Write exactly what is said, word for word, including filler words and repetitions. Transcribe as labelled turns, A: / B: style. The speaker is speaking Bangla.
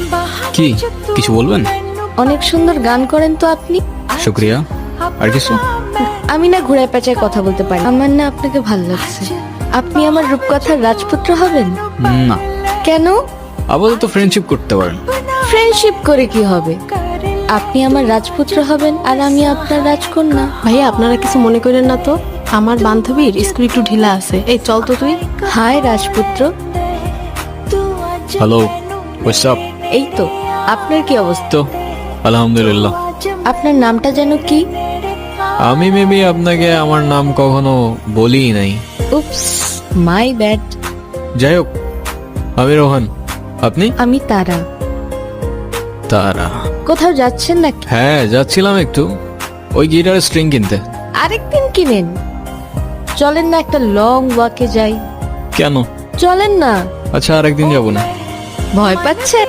A: কি কিছু বলবেন?
B: অনেক সুন্দর গান করেন তো আপনি।
A: শুক্রিয়া। আর কিছু?
B: আমি না ঘুরায় পেঁচায় কথা বলতে পারি। আমার না আপনাকে ভালো লাগছে। আপনি আমার রূপকথার রাজপুত্র হবেন?
A: না,
B: কেন?
A: আপাতত ফ্রেন্ডশিপ করতে পারেন।
B: ফ্রেন্ডশিপ করে কি হবে? আপনি আমার রাজপুত্র হবেন আর আমি আপনার রাজকন্যা।
C: ভাইয়া আপনারা কিছু মনে করেন না তো, আমার বান্ধবীর স্কুল একটু ঢিলা আছে। এই চল তো তুই।
B: হাই রাজপুত্র।
A: Hello, what's up?
B: এই তো, আপনার কি অবস্থা?
A: তো আলহামদুলিল্লাহ।
B: আপনার নামটা যেন কি?
A: আমি মেবি আপনাকে আমার নাম কখনো বলি নাই।
B: Oops, my bad.
A: যাই হোক, আমি রোহান। আপনি?
B: আমি তারা।
A: তারা?
B: কোথাও যাচ্ছেন নাকি?
A: হ্যাঁ, যাচ্ছিলাম একটু ওই গিটারের স্ট্রিং কিনতে।
B: আরেকদিন কিনেন। চলেন না একটা লং ওয়াকে যাই।
A: কেন?
B: চলেন না।
A: আচ্ছা, আরেকদিন যাবো না।
B: ভয় পাচ্ছে?